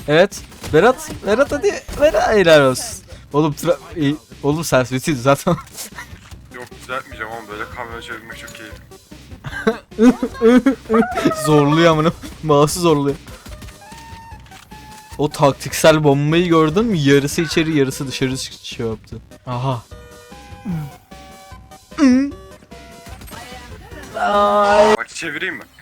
Evet. Berat hadi. Berat helal olsun. Oğlum oğlum sen sesiydi zaten. Yok düzeltmeyeceğim ama böyle kamera çevirmek çok keyifli. Zorluyor amına. Mouse'u zorluyor. O taktiksel bombayı gördün mü? Yarısı içeri yarısı dışarı şey yaptı. Aha. Bak çevireyim mi?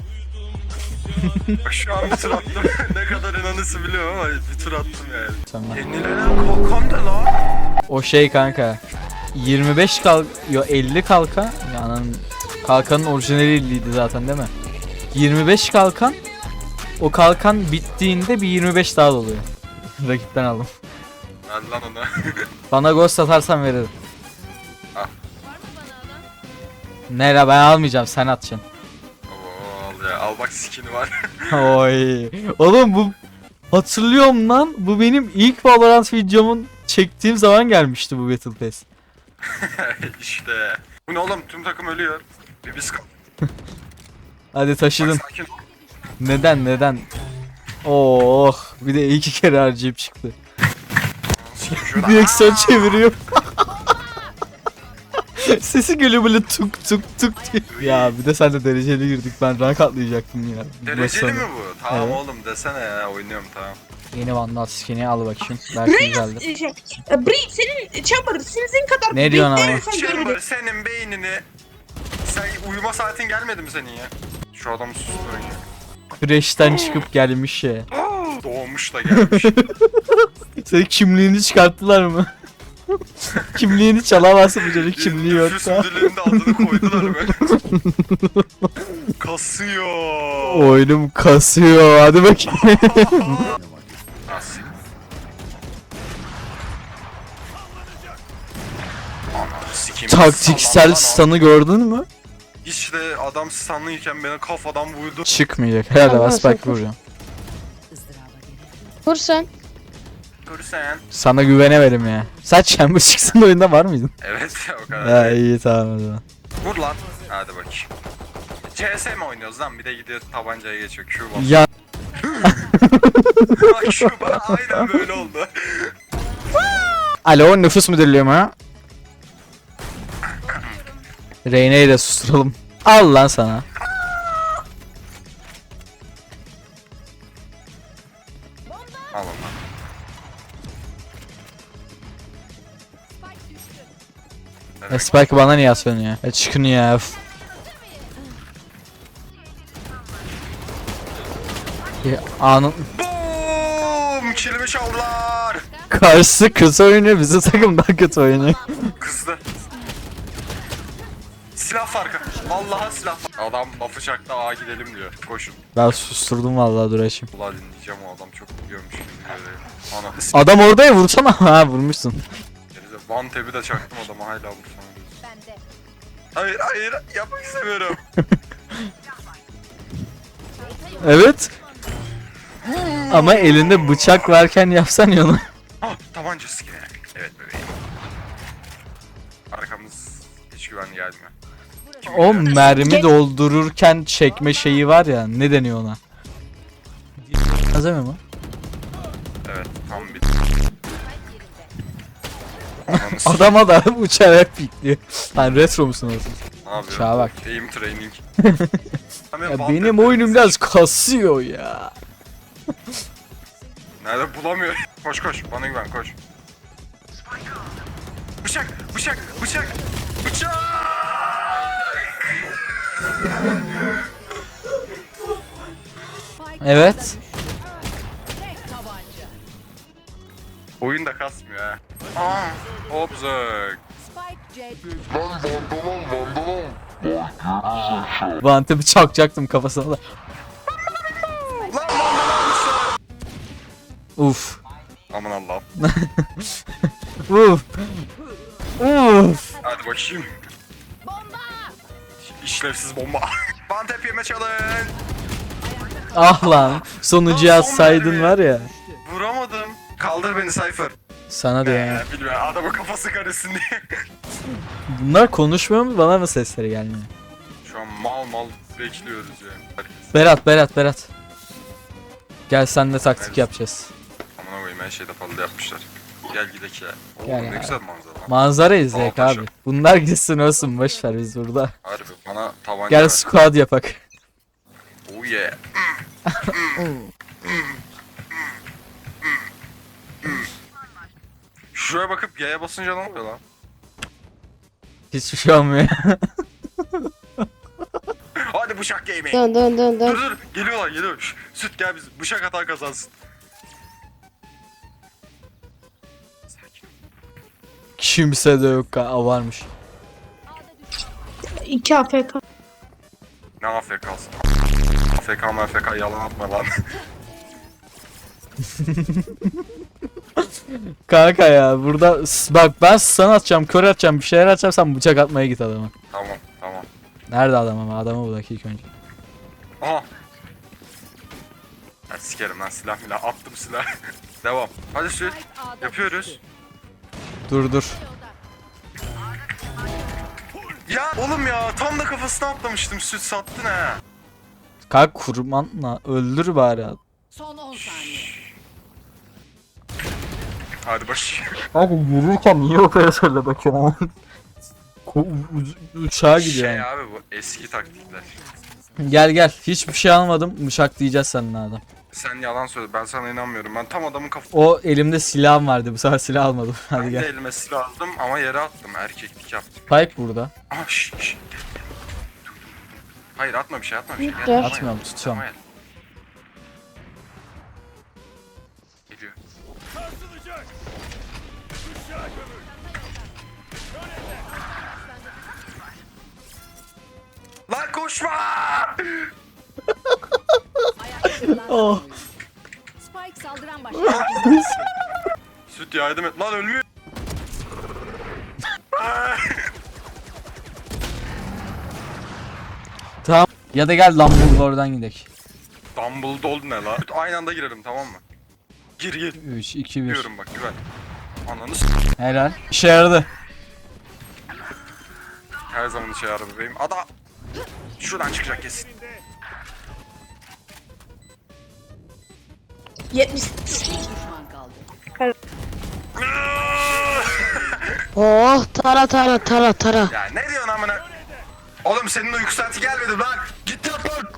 Bak şu an bir tur attım. Ne kadar inanısı biliyorum ama bir tur attım yani. Tamam. Yenilenen kalkan da lan. O şey kanka. 25 yo 50 kalkan. Yani kalkanın orijinali 50'ydi zaten değil mi? 25 kalkan. O kalkan bittiğinde bir 25 daha doluyor. Rakipten aldım. Ver lan onu. Bana ghost atarsan veririm. Al. Nere ben almayacağım sen atacaksın. Oo, al ya al bak skin'i var. Oy. Oğlum bu hatırlıyorum lan. Bu benim ilk Valorant videomun çektiğim zaman gelmişti bu Battle Pass. İşte. Bu ne oğlum tüm takım ölüyor. Bir biz Hadi taşıdın. Bak, sakin. Neden? Oh, bir de 2 kere harcayıp çıktı. Sikeyim şurada. Direksiyon çeviriyor. Sesi geliyor böyle tuk tuk tuk diye. Ya bir de sen de dereceli girdik. Ben rank atlayacaktım ya. Dereceli mi bu? Tamam Evet. oğlum desene ya oynuyorum tamam. Yeni Vandal skin'i al bakayım. Belki güzeldir. Brie senin Chamber sizin kadar Ne diyorsun ama? bekleyen insan Chamber görmedim. senin beynini. Sen uyuma saatin gelmedi mi senin ya? Şu adamı susturun ya. Fresh'ten çıkıp gelmiş ya. Doğmuş da gelmiş. Senin kimliğini çıkarttılar mı? Kimliğini çalamazsın bu çocuk kimliği Nüfus yoksa. müdürlüğünde adını koydular böyle. Kasıyor. Oyunum kasıyor. Hadi bakayım. Nasıl? Ananı sikeyim. Taktiksel Sallan lan stun'ı gördün mü? o. İşte adam stunlıyken beni kafadan vurdu. Çıkmayacak. Herhalde ben spike vuracağım. Vur sen. Görürsen. Sana güvenemedim ya. Sen Chamber çıksın oyunda var mıydın? Evet o kadar. Ha iyi tamam o zaman. Vur lan. Hadi bakayım. CS mi oynuyoruz lan? Bir de gidiyor tabancaya geçiyor. Q bas. Ya Bak şu bana aynen böyle oldu. alo nüfus müdürlüğü mü? Reyna'yı da susturalım. Al lan sana. Al onu. Spike bana niye aslanıyor? Çıkın ya. Ya, anın Boom! Kilimi çaldılar. karşısı kötü oynuyor, bizim takım daha kötü oynuyor. Kızdı. Silah farkı. Vallahi silah farkı. Adam lafı çaktı A gidelim diyor. Koşun. Ben susturdum vallahi Duraş'ım. Ulan dinleyeceğim o adam çok biliyormuş gibi böyle. Ana. Adam orada ya vursana. Ha vurmuşsun. One tap'i de çaktım adama hala vursana diyorsun. Hayır hayır yapmak istemiyorum. Evet. Ama elinde bıçak varken yapsan ya onu. Ah tabanca sikine. Evet bebeğim. Arkamız hiç güvenli gelmiyor. Kim O biliyor? mermi doldururken çekme şeyi var ya, ne deniyor ona? Azami mi? Evet tam bir. Ananı s***. Adama da uçarak pikliyor. Sen retro musun orası? Ne yapıyor? Çağa bak. Aim training. Ya benim oyunum biraz kasıyor ya. Nerede bulamıyorum. Koş koş bana güven koş. Bıçak bıçak bıçak bıçak. Evet. Oyun da kasmıyor ha. Aa, obzak. Vante bıçakacaktım kafasına da. Lan lan. Uf. Aman Allah'ım. Uf. Uf. Hadi bakayım. Bomba. İşlevsiz bomba. Bantep yeme challenge. Ah lan. Sonucu yazsaydın var ya. Vuramadım. Kaldır beni Cypher. Sana diyor ya. Bilmiyorum adamın kafası karışsın diye. Bunlar konuşmuyor mu? Bana mı sesleri gelmiyor? Şu an mal mal bekliyoruz yani. Herkes. Berat. Gel senle taktik Evet. yapacağız. Amına koyayım her şeyde fazla yapmışlar. Gel gidelim ya. Oo, Gel ne ya. güzel manzara lan. Manzara izleyek Dağ abi. taşı. Bunlar gitsin olsun boş ver biz burada. Harbi bana tabanca Gel ver. squad yapak. Oh yeah. Şuraya bakıp G'ye basınca ne oluyor lan? Hiçbir şey olmuyor. Hadi bıçak gaming. Dön dön dön dön. Dur geliyorlar geliyor. Şş, süt gel biz bıçak atan kazansın. Sakin. Kimse de yok. Varmış. 2 AFK. Ne AFK'sın? AFK MFK yalan atma lan. Kanka ya burada bak ben sana atacağım, kör atacağım, bir şeyler atacağım, sen bıçak atmaya git adama. Tamam tamam. Nerede adam ama? Adamı bul ilk önce. Aha. Ben sikerim lan silah milah attım silah. Devam. Hadi süt. Yapıyoruz. Dur. Ya oğlum ya tam da kafasına atlamıştım süt sattın ha. Kalk kurmanla öldür bari. Son 10 saniye. Hadi baş. Abi yürürken niye operatörle bakıyorsun? Uçağa gidiyor Şey yani. abi bu eski taktikler. Gel hiçbir şey almadım, bıçak diyeceğiz seninle adam. Sen yalan söyle ben sana inanmıyorum. Ben tam adamın O elimde silahım vardı, bu sefer silah almadım. Hadi Ben de gel. elime silah aldım ama yere attım. Erkeklik yaptım. Spike burada. Aha şşş. Hayır atma bir şey atma bir şey. Dur. Atmıyorum, tutuyorum. Tamam, geliyor. Lan koşma! Oh. Spike saldıran başlangıç. Süt yardım et. Lan ölmüyor. Tamam. Ya da gel Dumbledore'dan gidelim. Dumbledore ne la? Süt aynı anda girelim tamam mı? Gir. 3, 2, 1. Diyorum bak güven. Ananı Helal. İşe yaradı. her zaman işe yarar bebeğim. Ada şuradan çıkacak kesin. 70. Düşman kaldı. Oh tara tara tara tara. Ya ne diyorsun amına? Oğlum senin uyku saati gelmedi lan. Git yat lan.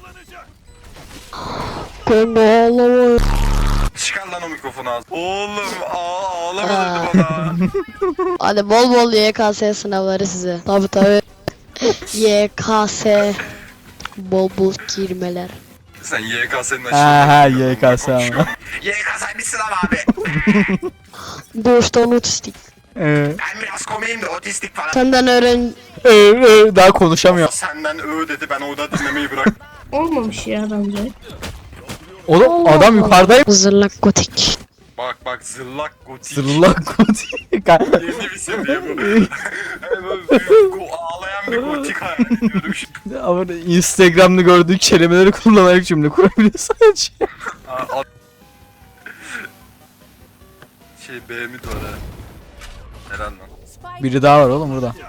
Ben de ağlamıyorum. Çıkar lan o mikrofonu ağzına. Oğlum ağlama dedi bana. Hadi bol bol YKS sınavları size. Tabi. YKS. Bol bol girmeler. Sen YKS'nin Ha YKS ama. YKS bir sınav abi. Doğuştan otistik. Ben biraz komiyim de otistik falan. Senden öğren... Daha konuşamıyor. Senden dedi ben orada dinlemeyi bırak. Olmamış ya bence. Oğlum adam yukarıdayım. Zırlak gotik. Bak zırlak gotik. Zırlak gotik. Yeni bir seviye bu. Böyle büyük, ağlayan bir gotik hayal ediyorum şimdi. Ama Instagram'da gördüğü kelimeleri kullanarak cümle kurabiliyor sadece. Şey B'mi de var ha. Helal lan. Spike Biri daha var oğlum burada.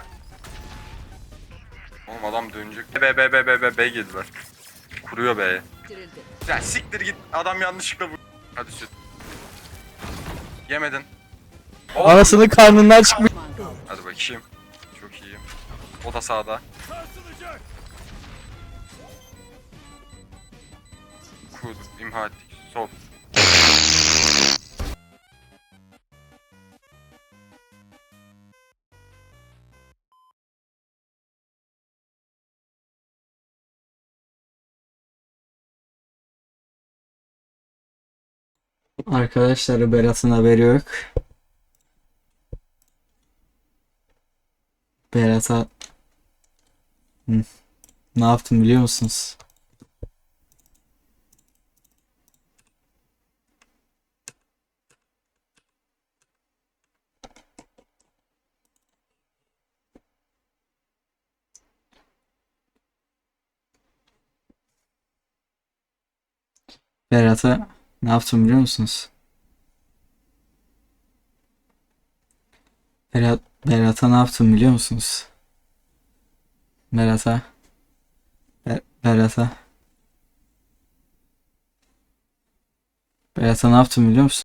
Oğlum adam dönecek. B geldiler. Kuruyor B'ye. bitirildi. Ya siktir git adam yanlışlıkla vur. Hadi süt. Yemedin. Anasının karnından çıkmış. Düşman kaldı. Hadi bakayım. Çok iyiyim. O da sağda. Kurduk, imha ettik. Sol. Arkadaşlar Berat'ın haberi yok. Berat'a ne yaptım biliyor musunuz? Berat'a ne yaptım biliyor musunuz? Berat'a ne yaptım biliyor musunuz? Berat'a Ben sana ne yaptım biliyor musun?